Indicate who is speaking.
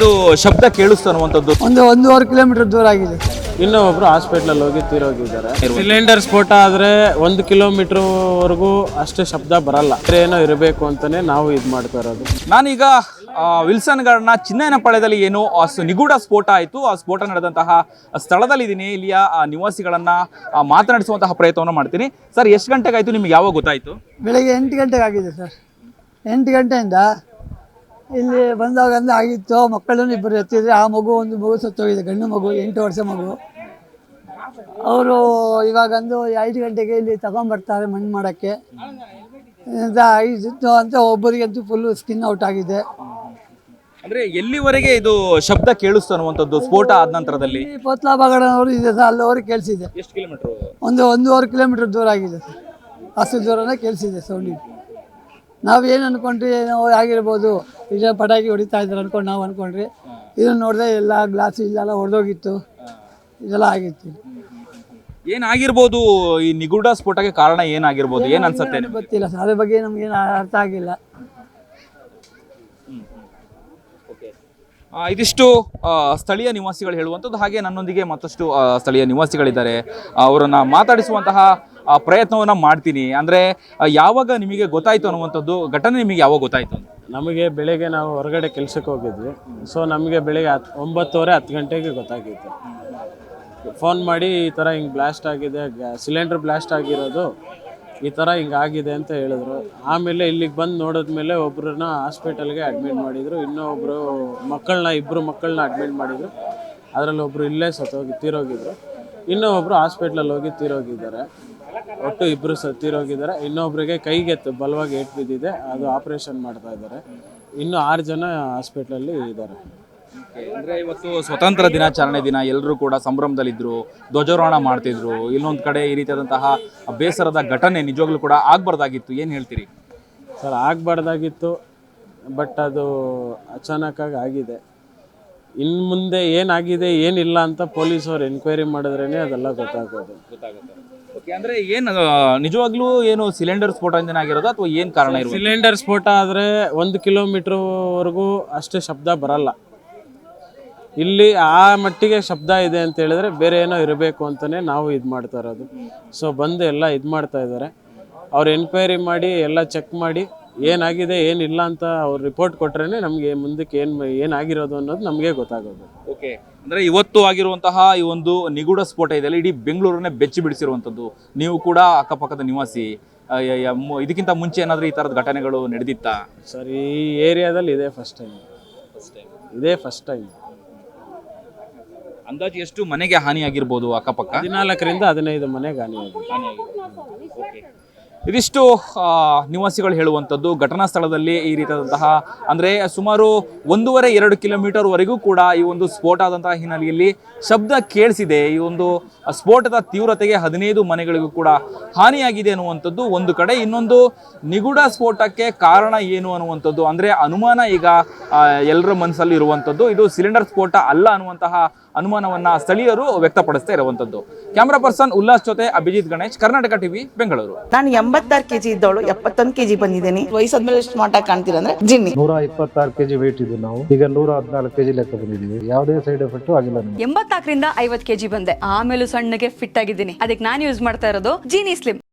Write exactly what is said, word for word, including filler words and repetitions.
Speaker 1: ಇದು ಶಬ್ದ ಕೇಳಿಸ್ತು ಅನ್ನುವಂಥದ್ದು
Speaker 2: ಒಂದು ಒಂದೂವರೆ ಕಿಲೋಮೀಟರ್ ದೂರ ಆಗಿದೆ.
Speaker 3: ಇನ್ನೂ ಒಬ್ರು ಹಾಸ್ಪಿಟ್ಲಲ್ಲಿ ಹೋಗಿ ತೀರೋಗಿದ್ದಾರೆ. ಸಿಲಿಂಡರ್ ಸ್ಫೋಟ ಆದರೆ ಒಂದು ಕಿಲೋಮೀಟರ್ ವರೆಗೂ ಅಷ್ಟು ಶಬ್ದ ಬರಲ್ಲ. ಏನೋ ಇರಬೇಕು ಅಂತಾನೆ ನಾವು ಇದು ಮಾಡ್ತಾ ಇರೋದು.
Speaker 1: ನಾನೀಗ ವಿಲ್ಸನ್ ಗಾರ್ಡ್ನ ಚಿನ್ನಯನಪಾಳ್ಯದಲ್ಲಿ ಏನು ನಿಗೂಢ ಸ್ಫೋಟ ಆಯಿತು, ಆ ಸ್ಫೋಟ ನಡೆದಂತಹ ಸ್ಥಳದಲ್ಲಿ ಇದ್ದೀನಿ. ಇಲ್ಲಿಯ ನಿವಾಸಿಗಳನ್ನ ಮಾತನಾಡಿಸುವಂತಹ ಪ್ರಯತ್ನವನ್ನು ಮಾಡ್ತೀನಿ. ಸರ್, ಎಷ್ಟು ಗಂಟೆಗೆ ಆಯಿತು, ನಿಮ್ಗೆ ಯಾವಾಗ ಗೊತ್ತಾಯಿತು?
Speaker 2: ಬೆಳಗ್ಗೆ ಎಂಟು ಗಂಟೆಗೆ ಆಗಿದೆ ಸರ್. ಎಂಟು ಗಂಟೆಯಿಂದ ಇಲ್ಲಿ ಬಂದಾಗ ಅಂದ್ರೆ ಆಗಿತ್ತು. ಮಕ್ಕಳನ್ನು ಇಬ್ಬರು ಎತ್ತಿದ್ರೆ ಆ ಮಗು ಒಂದು ಮಗು ಸತ್ತೋಗಿದೆ, ಗಂಡು ಮಗು, ಎಂಟು ವರ್ಷ ಮಗು. ಅವರು ಇವಾಗಂದು ಐದು ಗಂಟೆಗೆ ಇಲ್ಲಿ ತಗೊಂಡ್ಬರ್ತಾರೆ ಮಣ್ಣು ಮಾಡೋಕ್ಕೆ ಅಂತ ಆಗಿತ್ತು ಅಂತ. ಒಬ್ಬರಿಗಂತೂ ಫುಲ್ಲು ಸ್ಕಿನ್ ಔಟ್ ಆಗಿದೆ.
Speaker 1: ಅಂದ್ರೆ ಎಲ್ಲಿವರೆಗೆ ಇದು ಶಬ್ದ ಕೇಳಿಸ್ತು ಅನ್ನುವಂಥದ್ದು ಸ್ಫೋಟ ಆದ ನಂತರದಲ್ಲಿ?
Speaker 2: ಪೋತ್ಲಾಬಾಗಡನವರು ಇದೆ ಸರ್, ಅಲ್ಲಿವರೆಗೆ ಕೇಳಿಸಿದೆ.
Speaker 1: ಎಷ್ಟು ಕಿಲೋಮೀಟರ್?
Speaker 2: ಒಂದು ಒಂದೂವರೆ ಕಿಲೋಮೀಟರ್ ದೂರ ಆಗಿದೆ ಸರ್. ಅಷ್ಟು ದೂರನೇ ಕೇಳಿಸಿದೆ ಸೌಂಡ್. ನಾವು ಏನು ಅಂದ್ಕೊಂಡ್ರಿ, ಏನೋ ಆಗಿರ್ಬೋದು, ಈಗ ಪಟಾಕಿ ಹೊಡಿತಾ ಇದ್ದಾರೆ ಅಂದ್ಕೊಂಡು ನಾವು ಅಂದ್ಕೊಂಡ್ರಿ. ಇದನ್ನು ನೋಡಿದ್ರೆ ಎಲ್ಲ ಗ್ಲಾಸ್ ಇಲ್ಲೆಲ್ಲ ಹೊಡೆದೋಗಿತ್ತು, ಇದೆಲ್ಲ ಆಗಿತ್ತು.
Speaker 1: ಏನಾಗಿರ್ಬೋದು ಈ ನಿಗೂಢ ಸ್ಫೋಟಕ್ಕೆ ಕಾರಣ ಏನಾಗಿರ್ಬೋದು, ಏನ್ ಅನ್ಸುತ್ತೆ?
Speaker 2: ಗೊತ್ತಿಲ್ಲ ಸರ್, ಅದ್ರ ಬಗ್ಗೆ ನಮ್ಗೇನು ಅರ್ಥ ಆಗಿಲ್ಲ.
Speaker 1: ಇದಿಷ್ಟು ಸ್ಥಳೀಯ ನಿವಾಸಿಗಳು ಹೇಳುವಂಥದ್ದು. ಹಾಗೆ ನನ್ನೊಂದಿಗೆ ಮತ್ತಷ್ಟು ಸ್ಥಳೀಯ ನಿವಾಸಿಗಳಿದ್ದಾರೆ, ಅವರನ್ನ ಮಾತಾಡಿಸುವಂತಹ ಪ್ರಯತ್ನವನ್ನ ಮಾಡ್ತೀನಿ. ಅಂದ್ರೆ ಯಾವಾಗ ನಿಮಗೆ ಗೊತ್ತಾಯ್ತು ಅನ್ನುವಂಥದ್ದು ಘಟನೆ, ನಿಮಗೆ ಯಾವಾಗ ಗೊತ್ತಾಯ್ತು?
Speaker 3: ನಮಗೆ ಬೆಳಗ್ಗೆ ನಾವು ಹೊರಗಡೆ ಕೆಲ್ಸಕ್ಕೆ ಹೋಗಿದ್ವಿ. ಸೊ ನಮಗೆ ಬೆಳಗ್ಗೆ ಹತ್ತು ಒಂಬತ್ತುವರೆ ಹತ್ತು ಗಂಟೆಗೆ ಗೊತ್ತಾಗಿತ್ತು. ಫೋನ್ ಮಾಡಿ ಈ ಥರ ಹಿಂಗೆ ಬ್ಲಾಸ್ಟ್ ಆಗಿದೆ, ಸಿಲಿಂಡರ್ ಬ್ಲಾಸ್ಟ್ ಆಗಿರೋದು ಈ ಥರ ಹಿಂಗೆ ಆಗಿದೆ ಅಂತ ಹೇಳಿದ್ರು. ಆಮೇಲೆ ಇಲ್ಲಿಗೆ ಬಂದು ನೋಡಿದ್ಮೇಲೆ ಒಬ್ಬರನ್ನ ಹಾಸ್ಪಿಟಲ್ಗೆ ಅಡ್ಮಿಟ್ ಮಾಡಿದರು. ಇನ್ನೂ ಒಬ್ಬರು ಮಕ್ಕಳನ್ನ ಇಬ್ಬರು ಮಕ್ಕಳನ್ನ ಅಡ್ಮಿಟ್ ಮಾಡಿದರು. ಅದರಲ್ಲಿ ಒಬ್ಬರು ಇಲ್ಲೇ ಸತ್ತೋಗಿ ತೀರೋಗಿದ್ರು. ಇನ್ನೂ ಒಬ್ಬರು ಹಾಸ್ಪಿಟ್ಲಲ್ಲಿ ಹೋಗಿ ತೀರೋಗಿದ್ದಾರೆ. ಒಟ್ಟು ಇಬ್ಬರು ಸ ತೀರೋಗಿದ್ದಾರೆ. ಇನ್ನೊಬ್ಬರಿಗೆ ಕೈಗೆ ಬಲವಾಗಿ ಏಟು ಬಿದ್ದಿದೆ, ಅದು ಆಪ್ರೇಷನ್ ಮಾಡ್ತಾ ಇದ್ದಾರೆ. ಇನ್ನೂ ಆರು ಜನ ಹಾಸ್ಪಿಟ್ಲಲ್ಲಿ ಇದ್ದಾರೆ.
Speaker 1: ಅಂದ್ರೆ ಇವತ್ತು ಸ್ವತಂತ್ರ ದಿನಾಚರಣೆ ದಿನ, ಎಲ್ಲರೂ ಕೂಡ ಸಂಭ್ರಮದಲ್ಲಿದ್ದರು, ಧ್ವಜಾರೋಹಣ ಮಾಡ್ತಿದ್ರು. ಇನ್ನೊಂದು ಕಡೆ ಈ ರೀತಿಯಾದಂತಹ ಬೇಸರದ ಘಟನೆ ನಿಜವಾಗ್ಲೂ ಕೂಡ ಆಗ್ಬಾರ್ದಾಗಿತ್ತು. ಏನು ಹೇಳ್ತೀರಿ
Speaker 3: ಸರ್? ಆಗಬಾರ್ದಾಗಿತ್ತು, ಬಟ್ ಅದು ಅಚಾನಕ್ಕಾಗಿ ಆಗಿದೆ. ಇನ್ನು ಮುಂದೆ ಏನಾಗಿದೆ ಏನಿಲ್ಲ ಅಂತ ಪೊಲೀಸವ್ರು ಎನ್ಕ್ವೈರಿ ಮಾಡಿದ್ರೇ ಅದೆಲ್ಲ ಗೊತ್ತಾಗೋದು ಗೊತ್ತಾಗುತ್ತೆ.
Speaker 1: ಅಂದ್ರೆ ಏನು ನಿಜವಾಗ್ಲೂ ಏನು ಸಿಲಿಂಡರ್ ಸ್ಫೋಟದಿಂದ ಆಗಿರೋದು ಅಥವಾ ಏನು ಕಾರಣ ಇರೋದು?
Speaker 3: ಸಿಲಿಂಡರ್ ಸ್ಫೋಟ ಆದರೆ ಒಂದು ಕಿಲೋಮೀಟರ್ ವರೆಗೂ ಅಷ್ಟು ಶಬ್ದ ಬರಲ್ಲ. ಇಲ್ಲಿ ಆ ಮಟ್ಟಿಗೆ ಶಬ್ದ ಇದೆ ಅಂತ ಹೇಳಿದ್ರೆ ಬೇರೆ ಏನೋ ಇರಬೇಕು ಅಂತಲೇ ನಾವು ಇದು ಮಾಡ್ತಾ ಇರೋದು. ಸೊ ಬಂದು ಎಲ್ಲ ಇದು ಮಾಡ್ತಾ ಇದ್ದಾರೆ. ಅವ್ರು ಎನ್ಕ್ವೈರಿ ಮಾಡಿ ಎಲ್ಲ ಚೆಕ್ ಮಾಡಿ ಏನಾಗಿದೆ ಏನಿಲ್ಲ ಅಂತ ಅವ್ರು ರಿಪೋರ್ಟ್ ಕೊಟ್ರೇ ನಮಗೆ ಮುಂದಕ್ಕೆ ಏನು ಏನಾಗಿರೋದು ಅನ್ನೋದು ನಮಗೆ ಗೊತ್ತಾಗೋದು.
Speaker 1: ಓಕೆ, ಅಂದರೆ ಇವತ್ತು ಆಗಿರುವಂತಹ ಈ ಒಂದು ನಿಗೂಢ ಸ್ಫೋಟ ಇದೆಯಲ್ಲ, ಇಡೀ ಬೆಂಗಳೂರನ್ನೇ ಬೆಚ್ಚಿ ಬಿಡಿಸಿರುವಂಥದ್ದು. ನೀವು ಕೂಡ ಅಕ್ಕಪಕ್ಕದ ನಿವಾಸಿ, ಇದಕ್ಕಿಂತ ಮುಂಚೆ ಏನಾದರೂ ಈ ಥರದ ಘಟನೆಗಳು ನಡೆದಿತ್ತಾ?
Speaker 3: ಸರ್, ಈ ಏರಿಯಾದಲ್ಲಿ ಇದೇ ಫಸ್ಟ್ ಟೈಮ್ ಇದೇ ಫಸ್ಟ್ ಟೈಮ್
Speaker 1: ಅಂದಾಜು ಎಷ್ಟು ಮನೆಗೆ ಹಾನಿ ಆಗಿರ್ಬೋದು? ಅಕ್ಕಪಕ್ಕ
Speaker 3: ಹದಿನಾಲ್ಕರಿಂದ ಹದಿನೈದು ಮನೆಗೆ ಹಾನಿ ಆಗಿದೆ.
Speaker 1: ಇದಿಷ್ಟು ನಿವಾಸಿಗಳು ಹೇಳುವಂಥದ್ದು. ಘಟನಾ ಸ್ಥಳದಲ್ಲಿ ಈ ರೀತಿಯಾದಂತಹ ಅಂದರೆ ಸುಮಾರು ಒಂದೂವರೆ ಎರಡು ಕಿಲೋಮೀಟರ್ ವರೆಗೂ ಕೂಡ ಈ ಒಂದು ಸ್ಫೋಟ ಆದಂತಹ ಹಿನ್ನೆಲೆಯಲ್ಲಿ ಶಬ್ದ ಕೇಳಿಸಿದೆ. ಈ ಒಂದು ಸ್ಫೋಟದ ತೀವ್ರತೆಗೆ ಹದಿನೈದು ಮನೆಗಳಿಗೂ ಕೂಡ ಹಾನಿಯಾಗಿದೆ ಅನ್ನುವಂಥದ್ದು ಒಂದು ಕಡೆ. ಇನ್ನೊಂದು ನಿಗೂಢ ಸ್ಫೋಟಕ್ಕೆ ಕಾರಣ ಏನು ಅನ್ನುವಂಥದ್ದು ಅಂದರೆ ಅನುಮಾನ ಈಗ ಎಲ್ಲರ ಮನಸ್ಸಲ್ಲಿ ಇರುವಂಥದ್ದು. ಇದು ಸಿಲಿಂಡರ್ ಸ್ಫೋಟ ಅಲ್ಲ ಅನ್ನುವಂತಹ ಅನುಮಾನವನ್ನ ಸ್ಥಳೀಯರು ವ್ಯಕ್ತಪಡಿಸ್ತಾ ಇರುವಂಥದ್ದು. ಕ್ಯಾಮ್ರಾ ಪರ್ಸನ್ ಉಲ್ಲಾಸ್ ಜೊತೆ ಅಭಿಜಿತ್ ಗಣೇಶ್, ಕರ್ನಾಟಕ ಟಿವಿ, ಬೆಂಗಳೂರು.
Speaker 4: ನಾನು ಎಂಬತ್ತಾರು ಕೆಜಿ ಇದ್ದವಳು ಎಪ್ಪತ್ತೊಂದು ಕೆಜಿ ಬಂದಿದ್ದೀನಿ. ವಯಸ್ಸಾದ್ಮೇಲೆ ಸ್ಮಾರ್ಟ್ ಆಗಿ ಕಾಣ್ತೀರ ಅಂದ್ರೆ ಜಿನ್ನಿ.
Speaker 5: ನೂರ ಇಪ್ಪತ್ತಾರು ಕೆಜಿ ವೇಟ್ ಇದ್ದು ನಾವು ಈಗ ನೂರ ಹದಿನಾಲ್ಕು ಕೆಜಿ ಲೆಕ್ಕ ಬಂದಿದ್ದೀವಿ. ಯಾವುದೇ ಸೈಡ್ ಎಫೆಕ್ಟ್ ಆಗಿಲ್ಲ.
Speaker 6: ಎಂಬತ್ನಾಲ್ಕರಿಂದ ಐವತ್ತು ಕೆಜಿ ಬಂದೆ, ಆಮೇಲೆ ಸಣ್ಣಗೆ ಫಿಟ್ ಆಗಿದ್ದೀನಿ. ಅದಕ್ಕೆ ನಾನು ಯೂಸ್ ಮಾಡ್ತಾ ಇರೋದು ಜೀನಿ ಸ್ಲಿಮ್.